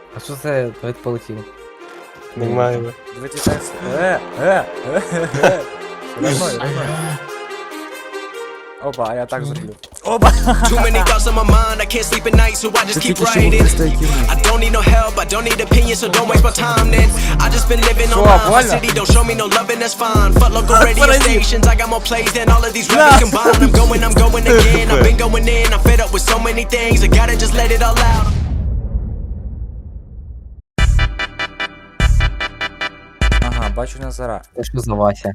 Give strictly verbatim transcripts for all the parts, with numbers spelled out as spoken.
А що це Давид полетів? Нормально. Давайте так. Е, е, е, е, е. Нормально, нормально. Опа, а я так зроблю. Опа! Too many thoughts on my mind, I can't sleep at night, so I just keep writing. I don't need no help, I don't need opinions, so don't waste my time then. I just been living on Что, my больно? city, don't show me no loving, that's fine. Fuck local radio stations, I got more plays than all of these rappers combined. I'm going, I'm going again, I've been going in, I'm fed up with so many things, I gotta just let it all out. Ага, бачу Назара. Це що за Вася?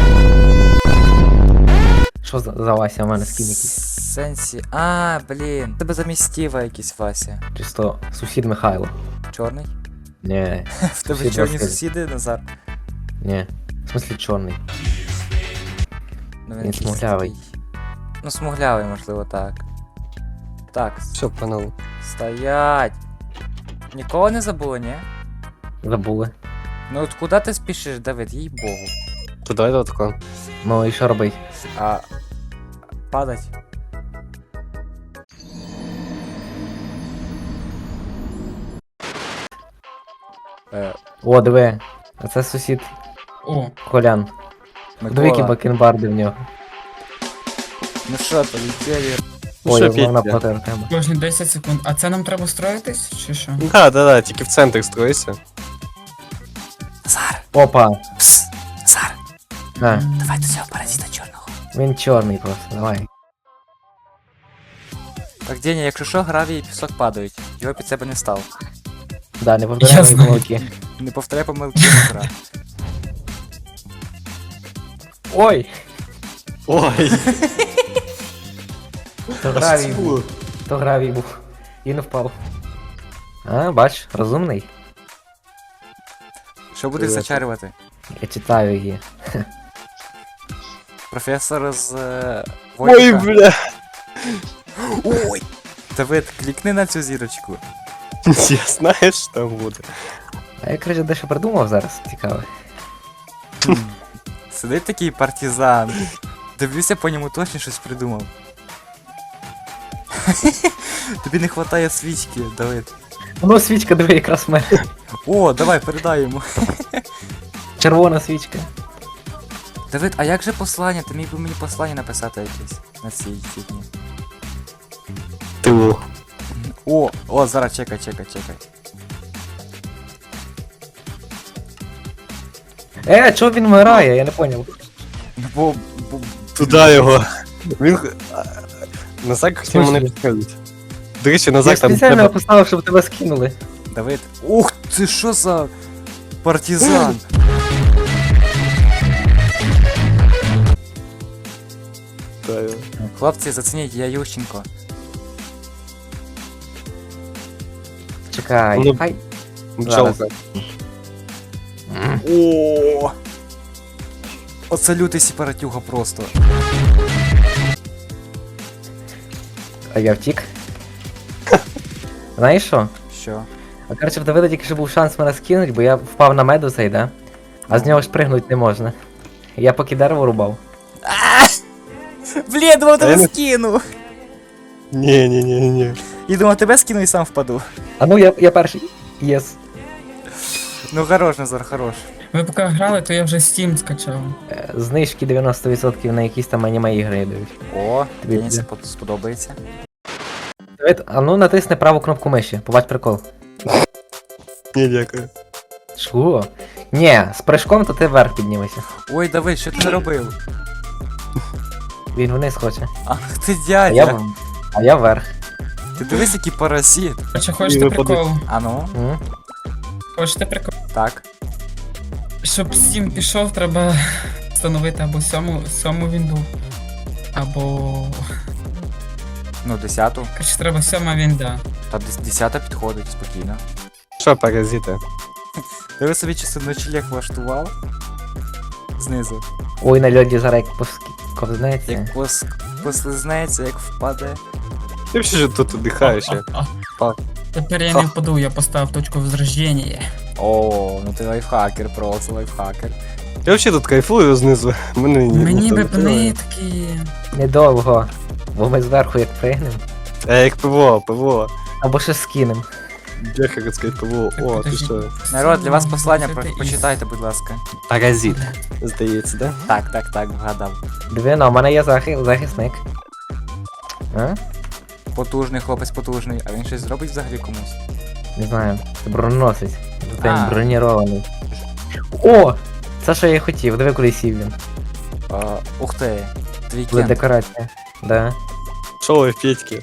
Що за, за Вася? У мене скін якийсь. Сенсі. А, блін. Тебе замістіва якийсь Вася. Чисто сусід Михайло. Чорний? Ні, В тебе Сусід чорні Василь. сусіди, Назар? ні. В смислі чорний. Ну, Він якийсь смуглявий. такий. Ну, смуглявий, можливо, так. Так, Все, панал. стоять. Нікого не забули, ні? Забули. Ну от куди ти спішиш, Давид, їй богу. То давай до такого. Ну і що робить? А падать? Е, О, диви. А це сусід О, Колян. Диви, які Микола. бакенбарди в нього. Ну що, полетели? Ну Ой, що, я вона Петя? проти Артема. кожні десять секунд. А це нам треба строїтись, чи що? Да, да, да, тільки в центр стройся. Назар, Опа! пс, Назар, На, давай до цього паразита чорного. він чорний просто, давай. Так, Деня, якщо що, гравій і пісок падають. Його під себе не став. Да, не Я повторяй мої знаю. помилки. Не повторяй помилки Назара. Ой! Ой, То гравій був. То гравій був. І не впав. А, бач, розумний. Що будеш Привет. зачарювати? Я читаю її. Професор з е, ой, Войка. бля. Ой! Давид, клікни на цю зірочку. Я знаю, що там буде. А я, короче, дещо придумав зараз, цікаво. Сидить такий партизан. Дивлюся, по ньому точно щось придумав. Тобі не вистачає свічки, Давид. Ну, свічка, диви, якраз в мене. О, давай, передай йому. Червона свічка. Давид, а як же послання? Ти міг би мені послання написати якесь на цій фігні. Тилу. О, о, зараз чекай, чекай, чекай. Е, чого він вмирає? Я не поняв. Ну, бо, бо... Туди його. Він... х- а, Назак хотів мене смислі? підходити. До речі, Я Назак там спеціально тебе... поставив, щоб тебе скинули. Давид. Ух, ти що за партизан? Хлопці, зацініть, я Ющенко. Чекай. Ну, Хай. Бджолка. О! Оце лютий сепаратюга просто. А я втік. Знаєш що? Що? А коротше, в Давида тільки що був шанс мене скинуть, бо я впав на меду цей, да? А з нього ж пригнути не можна. Я поки дерево рубав. Блін, думав, А я тебе не- скину. Ні, ні, ні, ні. І думав, тебе скину і сам впаду. А ну я, я перший. Єс. Ну хорош, Назар, хорош. Ви поки грали, то я вже Steam скачав. Е, Знижки дев'яносто відсотків на якісь там аніме ігри йдуть. О, Тобі мені буде. це сподобається. Давид, а ну натисни праву кнопку миші, побач прикол. Ні, дякую. Чого? Ні, з прыжком то ти вверх піднімешся. Ой, Давид, що ти наробив? Він вниз хоче. Ах ти А я, дядя. в- а я вверх. Ти дивись, який паразит. Хочете, хочете випадуть. прикол? А ну, М? Хочете прикол? так. Щоб Steam пішов, треба встановити або сьому, сьому вінду, або... Ну, десяту. Короче, треба сьома вінда. Та дес- десята підходить спокійно. Що, паразити? Диви собі часи ночлег влаштував. Знизу. Ой, на льоді зараз як поск- ковзнеться. Як пос... послизнеться, як впаде. Ти взагалі тут віддихаєш. я. А, а. Пак. Тепер я не впаду, я поставив точку возрождення. О, ну ти лайфхакер, просто лайфхакер. Я взагалі тут кайфую знизу. Мене ні. Мені ніхто би не тримає. такі. Недовго. Бо ми зверху як пригнем. Е, як ПВО, ПВО. Або ще скинем. Беха, как сказать, ПВО. Так, О, ти подожди. що? Народ, для вас Це послання, ти про- із- почитайте, будь ласка. Паразит. Здається, да? Так, так, так, вгадав. Диви, ну, у мене є захи- захисник. А? Потужний хлопець потужний, а він щось зробить взагалі комусь? Не знаю. Це броненосець. Зато А. він бронірований. О! Це що я і хотів, диви, куди сів він. А, ух ти, твій Була кент. декорація. Да. Шо ви, Петьки?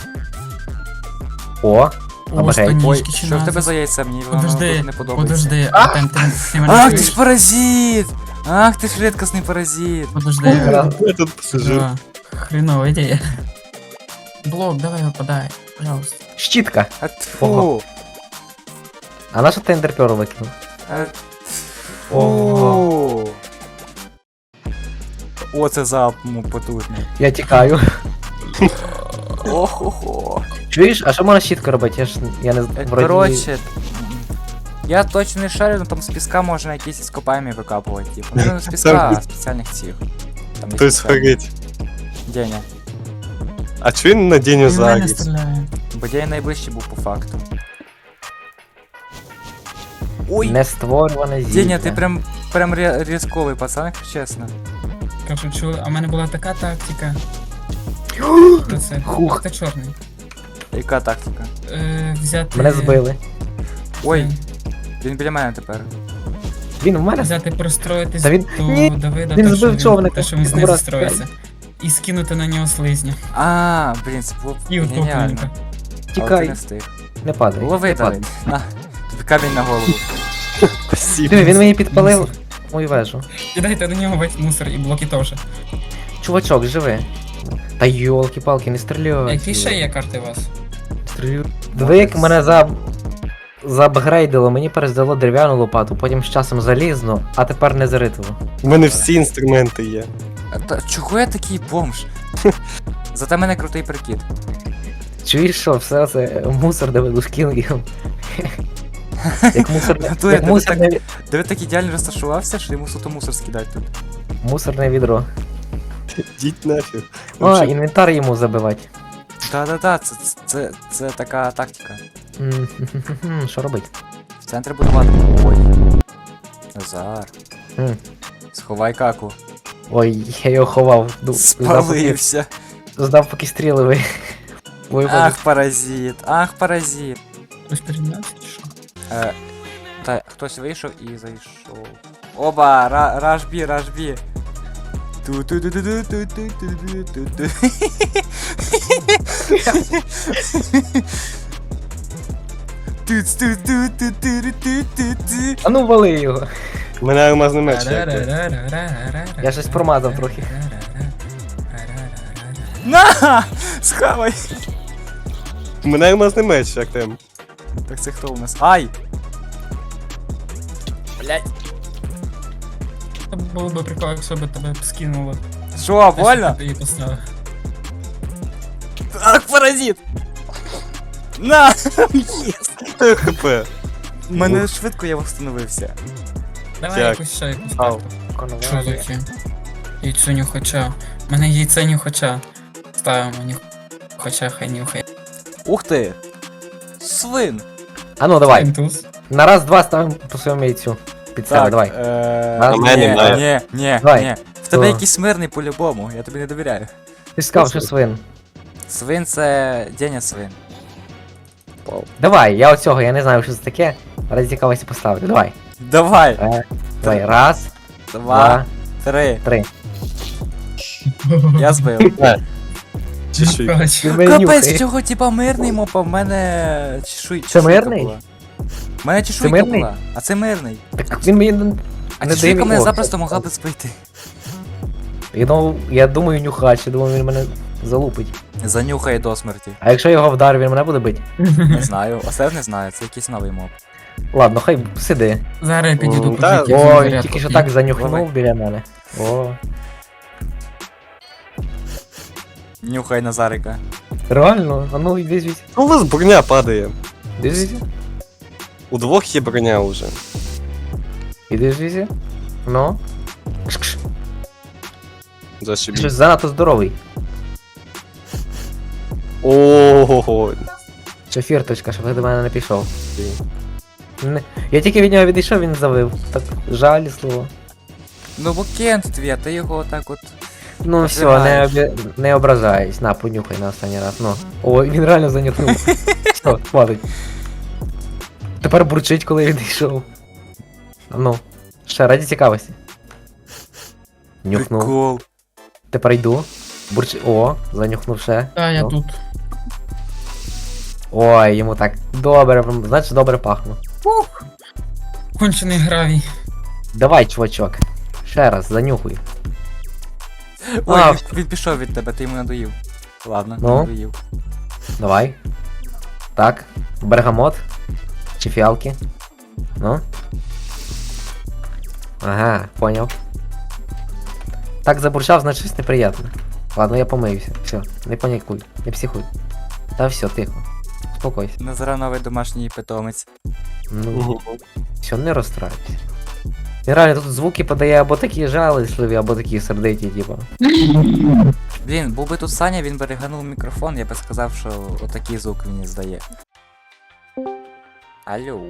О! О, Обережно. Ой, станічки чи що в тебе назва? за яйця? Мені воно Подожди, дуже не подобається. подожди, а там ти, ти мене Ах, ти чуєш? ж паразит! Ах, ти ж рідкісний паразит! Подожди, Я тут посижу. да. Хреновая ідея. Блок, давай випадай, пожалуйста. Щітка! А тьфу! Ого. А на що ти ендерперл викинув? А Ого. тьфу! О, це залп ну, потужний. Я тікаю. Охо-хо. Чуєш, а що можна щітка робити? Я ж я не Е, вроді- Коротше, я точно не шарю, але там з піска можна якісь іскопаємі викапувати. Типу. Ну, не з піска, а спеціальних цих. Там є То есть спеціальні. схорить. Деня. А чого він на Деню Він в мене загріз? стріляє. Бо Деня найближчий був по факту. Ой! Не створюване зілля. Деня, ти прям прям рі- різковий пацан, якщо чесно. Кажу, чу, а в мене була така тактика. Що це? Хух. Це чорний. Яка тактика? Е, взяти... Мене збили. Ой, він біля мене тепер. Він в мене. Взяти простроїтись Та він- до Ні, Давида, він те, що збив він, човника. те, що він знизу Акурат. строїться. І скинути на нього слизня. А, блін, це було б І геніально. утопленника. Але ти Тікай. не встиг. Не падай. Лови, не падай. Давид. На, тобі камінь на голову. Спасибо. Диви, він мені підпалив мою вежу. Кидайте на нього весь мусор і блоки теж. Чувачок, живи. Та йолки-палки, не стріляй. Які ще є карти у вас? Стрілю. Диви, як мене за... заапгрейдило, мені перездало дерев'яну лопату, потім з часом залізну, а тепер не заритило. У мене всі інструменти є. А та чого я такий бомж? Зате мене крутий прикид. Чуєш що, все це мусор Давиду скинув. Як мусор... Натурі, як ти мусорне... Диви так ідеально розташувався, що йому суто мусор скидати тут. мусорне відро. Йдіть нафіг. А, Вообще, інвентар йому забивати. Та-та-та, це, це, це така тактика. М, Що робить? В центрі будувати. Ой. Назар. М. Сховай каку. Ой, я його ховав. Ду- Здав поки, Спалився. здав поки стріли ви. Ой, Ах, паразит, ах, паразит. Хтось переднявся чи що? Е, та хтось вийшов і зайшов. Оба, ра, рашбі, рашбі. ту ту ту ту ту ту ту ту ту ту Туц, ту ту ту ту ту ту ту. А ну вали його. У мене алмазний меч. як ти. Я щось промазав трохи. На! Схавай! У мене алмазний меч, як там. Так це хто у нас? Ай! Блять. Це було би прикол, якщо би тебе б скинуло. Що, больно? Ти її поставив. Ах, паразит! На! Єс! ХП. Мене швидко я встановився. Давай Так. якусь ще якусь Ау. карту. Що таке? Яйцю нюхача. У мене яйце нюхача. Ставимо нюхача, хай нюхає. Ух ти! Свин! А ну давай. Інтуз. На раз-два ставимо по своєму яйцю. Під себе, давай. Е... На Ні, мене немає. ні, ні, Давай. ні. В тебе Що? якийсь мирний по-любому, я тобі не довіряю. Ти ж сказав, що свин. Свин це Деня свин. Давай, я оцього, я не знаю, що це таке. Ради цікавості поставлю. Давай. Давай! Е, Давай, раз, Два, два, три. три. Я збив. Чешуй. Нюхач. Він мене Капець, нюхає. в цього типа мирний мопа, в мене чешуй. Це чешуйка мирний? була. В мене чешуйка мирний? була, а це мирний. Так він мені не А не чешуйка дає мене мені запросто ок. могла би збити. Я думав, я думаю, нюхач, я думаю, він мене залупить. Занюхає до смерті. А якщо я його вдарю, він мене буде бити? Не знаю, оце не знаю, це якийсь новий моб. Ладно, хай сиди. Зараз я підійду М, по та, житті. О, він тільки що так занюхнув Давай. біля мене. О, Нюхай Назарика. реально? А ну іди звідси. Ну, у вас броня падає. Іди звідси. У двох є броня вже. Іди звідси. Ну. Кш-кш. Ти Зашибіть. щось занадто здоровий. Ого. Чи фірточка, щоб ти до мене не пішов. Не- Я тільки від нього відійшов, він завив. Так жалісливо. Ну бо Кент твій, а ти його отак от. Ну все, не, Знаєш. обі... не ображайся. На, понюхай на останній раз. Ну. О, він реально занюхнув. Все, хватить. Тепер бурчить, коли він йшов. Ну. Ще раді цікавості. Нюхнув. Прикол. Тепер йду. Бурч... О, занюхнув ще. Та я Ну. тут. Ой, йому так добре, прям, значить добре пахну. Кончений гравій. Давай, чувачок. Ще раз, занюхуй. Ой, А. він, він пішов від тебе, ти йому надоїв. Ладно, Ну? надоїв. Давай. Так. Бергамот. Чи фіалки. Ну. Ага, поняв. Так забурчав, значить щось неприємне. Ладно, я помиюся. Все, не панікуй, не психуй. Та все, тихо. Успокойся. Назара новий домашній питомець. Ну, все, не розстраюйся. Він реально тут звуки подає або такі жалісливі, або такі сердиті, типа. Блін, був би тут Саня, він би реганув мікрофон, я би сказав, що отакий звук він і здає. Алло.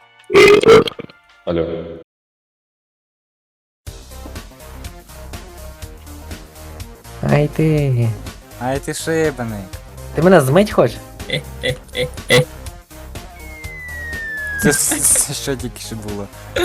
Алло. Ай ти. Ай ти шибаний. Ти мене змить хочеш? Е-е-е-е. Це, це що тільки що було?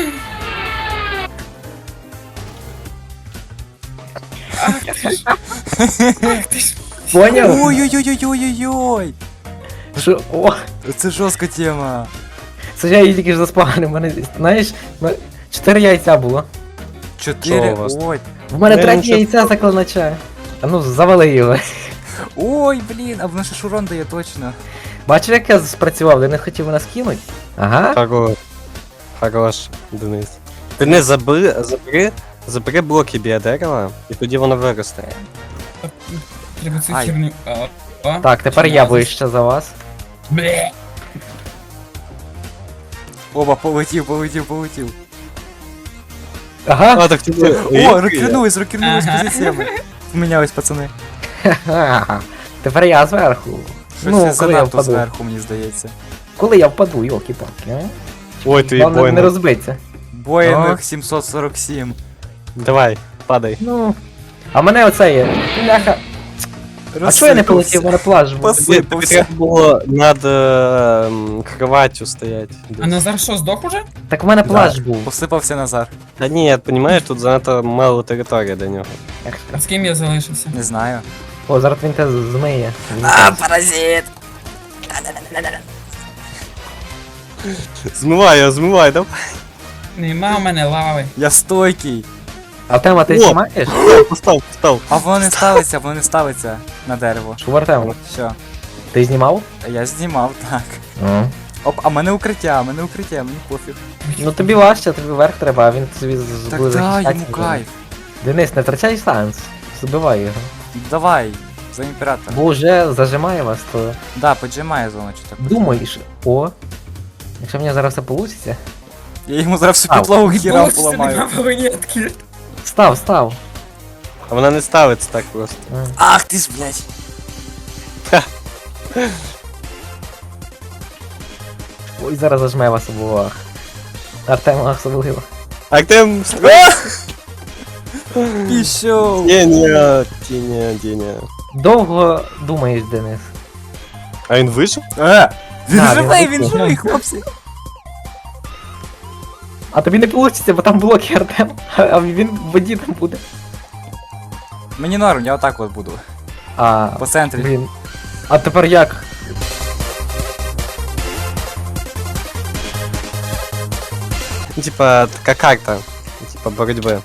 Поняв? Ой-ой-ой-ой-ой-ой! Що? О! Це жорстка тема. Це ж я її тільки ж заспавнив. У мене, знаєш, ну, чотири яйця було. Чотири. Що у вас? Ой. В мене Не, третє нічого. яйця заклинача. А ну, завали його. Ой, блін, а воно ще шурон дає точно. Бачив, як я спрацював, де не хотів нас кинуть? Ага. Хорош. Хорош, Денис. Денис, забери, забери, забери блоки біля дерева, і тоді воно виросте. Треба цю Ай. херню. А, а. Так, тепер я вище за вас. Бле. Оба, полетів, полетів, полетів. Ага. А, так ти... О, рокернулись, рокернулись Ага. позиціями. Помінялись, пацани. Ха-ха. Тепер я зверху. Щось Ну, я коли я занадто впаду. зверху, мені здається. Коли я впаду, йолки-палки, а? Ой, твій Главне не бойник. розбиться. Боїнг сімсот сорок сім. Давай, падай. Ну. А мене оце є. Бляха. А чого я не полетів? У мене плаж був. Пос- Тобі тобі треба було над е, м, кроваттю стояти. А Назар що, здох уже? Так у мене плаж був. Посипався Назар. Та ні, розумієш, тут занадто мало території до нього. А з ким я залишився? Не знаю. О, зараз він те змиє. Він А, те- паразит! Змивай його, змивай, давай. Нема в мене лави. Я стойкий. Артема, ти О! знімаєш? Постав, постав. А воно не ставиться, воно не ставиться на дерево. Що в Артему? Що? Ти знімав? Я знімав, так. Ну. Оп, а мене укриття, мене укриття, мені пофіг. Ну тобі важче, тобі вверх треба, а він собі з- Так буде да, захищатися. йому кайф. Денис, не втрачай шанс. Забивай його. Давай, за імператора. Бо вже зажимає вас, то Да, поджимає зону чи так. думаєш, о. Якщо в мене зараз все вийде. Я йому зараз всю Ау. підлогу хірам Боже, поламаю. нема вагонетки. Став, став. А вона не ставиться так просто. М. Ах ти ж, блядь. Ой, зараз зажме вас обох. Артема особливо. Артем, Пішов. Деня, Деня, Деня. Довго думаєш, Денис. А він вижив? Е, він Да, живий, він він вийшов. живий, хлопці. А тобі не вийде, бо там блоки Артем, а він в воді там буде. Мені норм, я отак от буду. А, По центрі. блін. А тепер як? Ну, типа, така карта. Типа боротьби.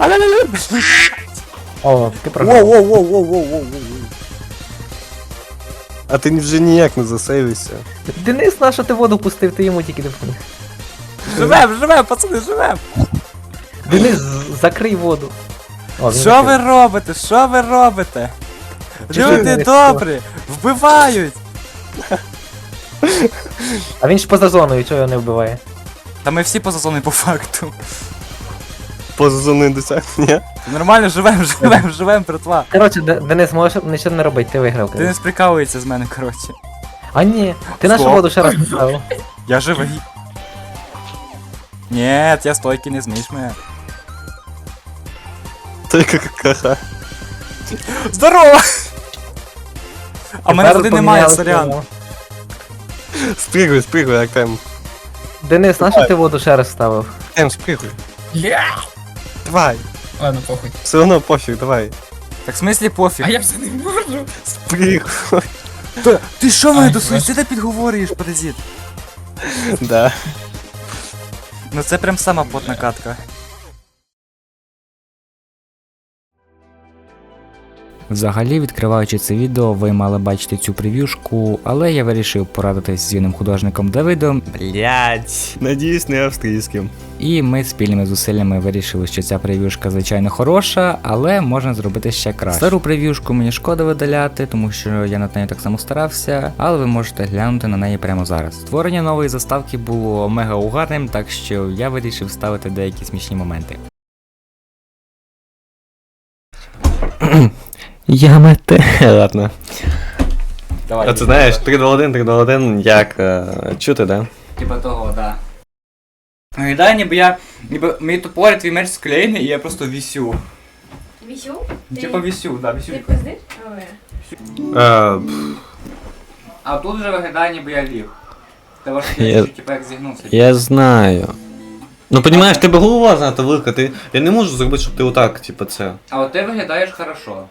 О, ти програв. Воу-воу-воу-воу-воу-воу. А ти вже ніяк не засейвився. Денис, на що ти воду пустив, ти йому тільки допоміг. Живем, живем, пацани, живем. Денис, з- закрий воду. О, він Що ви закрив. робите? Що ви робите? Чого Люди ви добрі, вбивають. А він ж поза зоною, чого його не вбиває? Та ми всі поза зоною по факту. Поза зоною досягнення. Нормально живем, живем, живем, братва. Коротше, Де- Денис, можеш нічого не робити, ти виграв. Ти не коротше. сприкалується з мене, коротше. А ні, ти нашу Стоп. воду ще раз поставив. Я живий. Нет, я стойки не змієш мене. Ти какаха. Здорово! А в мене Тепер води немає, помінялися, сорян. ну. Спригуй, спригуй, Артем. Денис, нашу ти воду ще раз ставив? Артем, спригуй. Ля! Давай. Ладно, похуй. Все одно пофіг, давай. Так в смислі пофіг. А я все не можу. Спригуй. Та, ти що мене Ай, до бачиш. суїцида підговорюєш, паразит? Да. Ну це прям сама потна катка. Взагалі, відкриваючи це відео, ви мали бачити цю прев'юшку, але я вирішив порадитись з юним художником Давидом, Блять. Надіюсь, не австрійським. і ми спільними зусиллями вирішили, що ця прев'юшка звичайно хороша, але можна зробити ще краще. Стару прев'юшку мені шкода видаляти, тому що я над нею так само старався, але ви можете глянути на неї прямо зараз. Створення нової заставки було мега угарним, так що я вирішив вставити деякі смішні моменти. Я мете. Ладно. Давай. А ти знаєш, три два один, три два один, як е, чути, да? Типа того, да. Виглядає, ніби я. Ніби мій топор, твій меч склеєний, і я просто вісю. Вісю? Ти, Типа вісю, да, вісю. ти пиздиш? Ой. Е, А тут вже виглядає, ніби я ліг. Та ваш Я- типа як зігнувся. Я знаю. Ну, понімаєш, тебе голова занадто велика, ти... Я не можу зробити, щоб ти отак, типа, це. А от ти виглядаєш хорошо.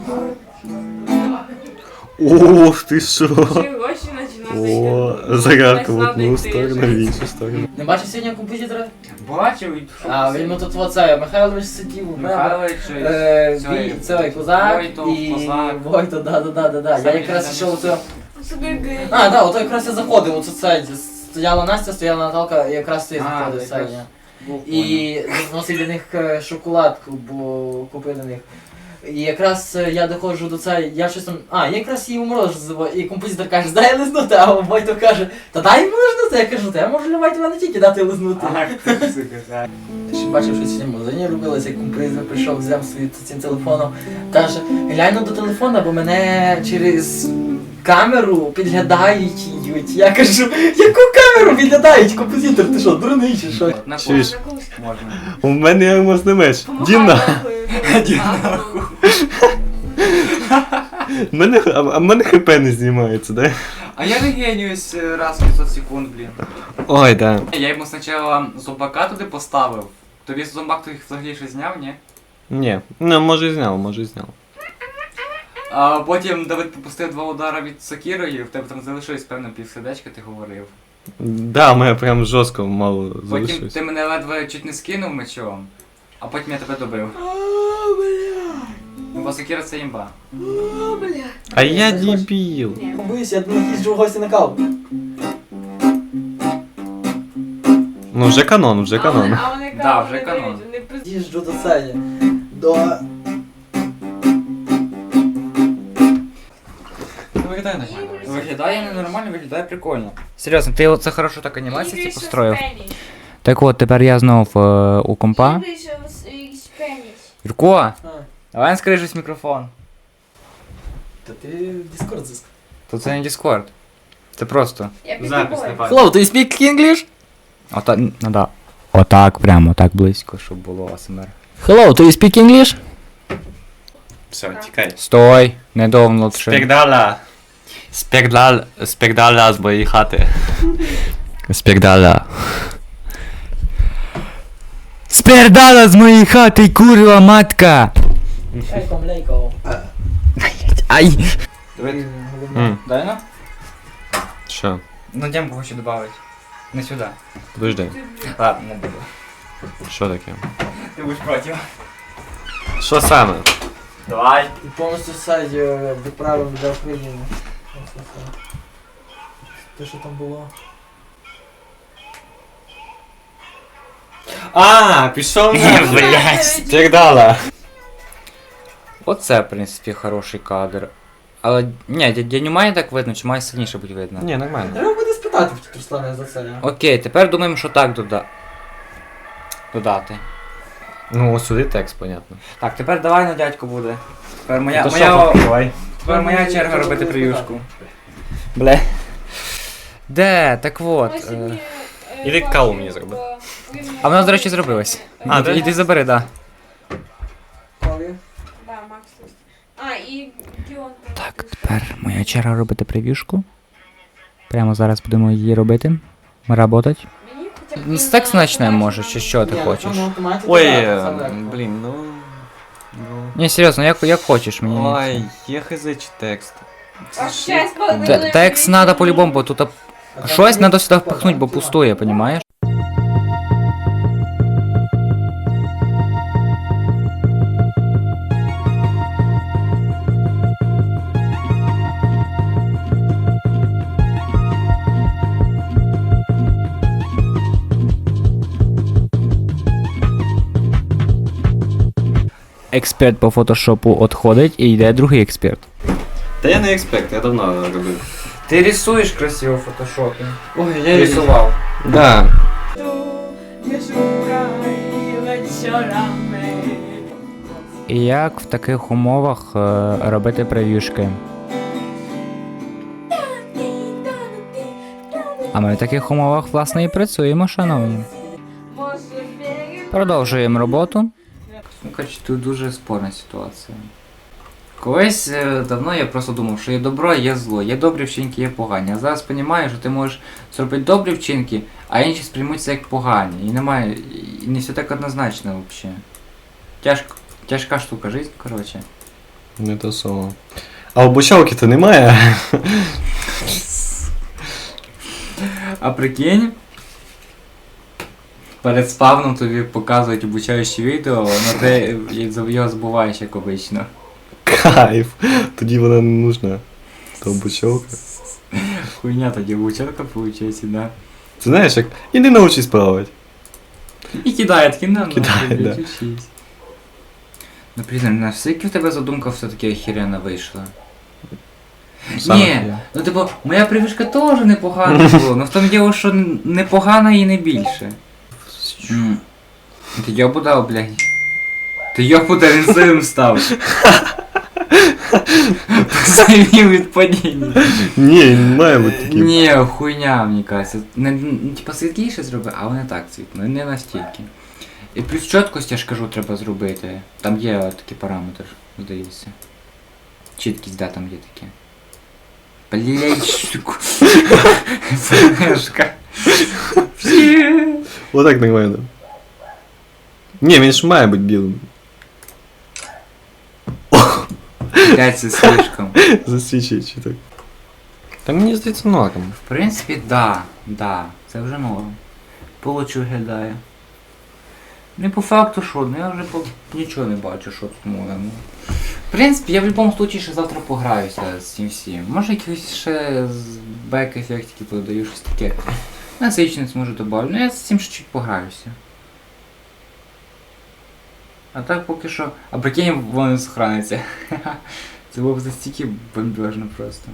Ох, ти що? Чого ще починати? О, загарка в одну сторону, в іншу сторону. Не бачив сьогодні композитора? Бачив, і А, він тут оце, Михайлович сидів, у мене. Михайлович, Е, цей, Вій- цей козак Войтов, і Козак. Войто, да, да, да, да, да. Я Самі якраз там йшов оце. Собі гей. А, да, ото якраз я заходив, оце це. Стояла Настя, стояла Наталка, і якраз ти А, заходив, ти це якраз я. був, І зносив для них е, шоколадку, бо купив для них. І якраз е, я доходжу до цей, я щось там, а, я якраз її морозиво, і композитор каже, дай лизнути, а Войто каже, та дай йому лизнути, я кажу, та я можу любити мене тільки дати лизнути. Ах, ти сука, так. Ти ще бачив, що сьогодні в магазині робилося, як композитор прийшов, взяв свій цим телефоном, каже, глянь до телефона, бо мене через камеру підглядають. їдуть». Я кажу, яку камеру підглядають? Композитор, ти що, дурний чи що? На Чуєш? курс можна. У мене є алмазний меч. Діна! Мене, а, а в мене хп не знімається, да? А я регенююсь е, раз в п'ятсот секунд, блін. Ой, да. Я йому спочатку зомбака туди поставив. Тобі зомбак той взагалі щось зняв, ні? Ні, ну може і зняв, може і зняв. А потім Давид попустив два удара від сокирою, в тебе там залишилось певно півсердечка, ти говорив. Да, у мене прям жорстко мало Потім залишилось. ти мене ледве чуть не скинув мечом, а потім я тебе добив. Бо сокира це імба. О, бля. А я дебіл. Боюсь, я думаю, їжджу в гості на каву. Ну вже канон, вже А канон. вони- А вони Да, кажуть, вже не канон. дають, вони пиздять. Їжджу до цеї. До... Виглядає нормально. Виглядає ненормально, виглядає прикольно. Серйозно, ти оце хорошо так анімації Ігри, ці що построїв. Спеніш. Так от, тепер я знов е, у компа. Ігри, що с- і Спеніш. Юрко, давай скажи щось в мікрофон. Та ти в Discord зиск. То це не Discord. Це просто. Я під Запис тобою. не Hello, do you speak English? Ота, ну да. Отак, прямо так близько, щоб було АСМР. Hello, do you speak English? Все, тікай. Стой, не довнувши. Спірдала. Спірдал, спірдала з моєї хати. Спірдала. Спірдала з моєї хати, курва матка! Ейком, лейко. Ай! М, Дай ну? Що? Ну демку хочу добавити. Не сюди. Подожди. Ладно, не буду. Що таке? Ти будеш проти. Що саме? Давай. І повністю сайт е, відправив для України. Ось це. Те, що там було. А, пішов на, Блядь. Спірдала. Оце, в принципі, хороший кадр. Але ні, дядю має так видно, чи має сильніше бути видно? Ні, нормально. Треба буде спитати в Руслана за це. а? Окей, тепер думаємо, що так дода... додати. Ну, ось сюди текст, понятно. Так, тепер давай на дядьку буде. Тепер моя, То моя, що, давай. тепер моя черга робити прев'юшку. Бля. Де? Так от. Ось е, мені, е, Іди бачу, каву мені зроби. бо він- А вона, до речі, зробилась. А, Іди, да? іди забери, да. Коли? Да, Макс. тут. А, і Діон. теж. Так, тепер моя черга робити прев'юшку. Прямо зараз будемо її робити. Работать. Мені хоча б Ну, він Текст на почнемо, побачення може, чи що ти Ні, хочеш? на автоматі Ой, то да, е, це легко. блін, ну. ну. Ні, серйозно, як, як хочеш мені. Ой, є хз чи текст. А щас Т- подивимось. Текст надо по-любому, бо тут а, щось надо сюди впихнуть, бо пустує, понімаєш? Експерт по фотошопу відходить і йде другий експерт. Та я не експерт, я давно робив. Ти рисуєш красиво в фотошопі. Ой, я Рисував. Да. І як в таких умовах е, робити прев'юшки? А ми в таких умовах, власне, і працюємо, шановні. Може, перед- Продовжуємо роботу. Ну, коротше, тут дуже спорна ситуація. Колись е, давно я просто думав, що є добро, є зло, є добрі вчинки, є погані. А зараз розумію, що ти можеш зробити добрі вчинки, а інші сприймуться як погані. І немає, і не все так однозначно взагалі. Тяжко, тяжка штука, життя, коротше. Не то слово. А обучалки-то немає. А прикинь, перед спавном тобі показують обучаючі відео, але ти його забуваєш, як обично. Кайф. Тоді вона не нужна. То обучалка. Хуйня тоді обучалка виходить, да. Ти знаєш, як. Іди научись плавати. І кидає, таки на Кидає, да. учись. Ну, блін, наскільки в тебе задумка все-таки охеренно вийшла? Саме Ні, я. ну типу, моя привичка теж непогана була, але в тому діло, що непогана і не більше. М. Ти йобуда, блядь. Ти йобуда, він сивим став. Посивів від падіння. Ні, не має бути таким. Ні, хуйня, мені кажеться. Не, не, типа світліше зроби, а вони так цвітно, не настільки. І плюс чіткость, я ж кажу, треба зробити. Там є такий параметр, здається. Чіткість, да, там є таке. Блять, штуку. Флешка. Отак нормально. Ні, він ж має бути білим. Блять, це слишком. Засвічує чи так. Та мені здається норм. В принципі, да, да, це вже норм. Получу виглядає. Не по факту що, ну я вже по... нічого не бачу, що тут можна. Ну. В принципі, я в будь-якому випадку ще завтра пограюся з цим всім. Може якісь ще з бек-ефектики подаю, щось таке. Насичність може добавлю, ну я з цим ще чуть пограюся. А так поки що... А прикинь, воно сохраниться. Це було б настільки бомбежно просто.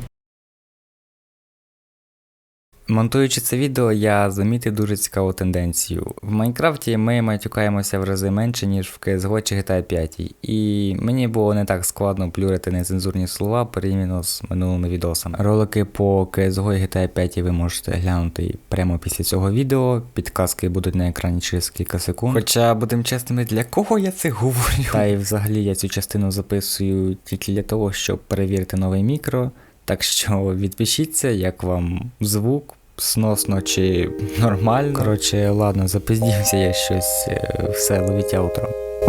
Монтуючи це відео, я замітив дуже цікаву тенденцію. В Майнкрафті ми матюкаємося в рази менше, ніж в кей ес го чи джі ті ей п'ять. І мені було не так складно плюрити нецензурні слова порівняно з минулими відосами. Ролики по кей ес го і джі ті ей п'ять ви можете глянути прямо після цього відео. Підказки будуть на екрані через кілька секунд. Хоча, будемо чесними, для кого я це говорю? Та й взагалі я цю частину записую тільки для того, щоб перевірити нове мікро. Так що відпишіться, як вам звук, сносно чи нормально. Коротше, ладно, запиздівся я щось, все, ловіть аутро.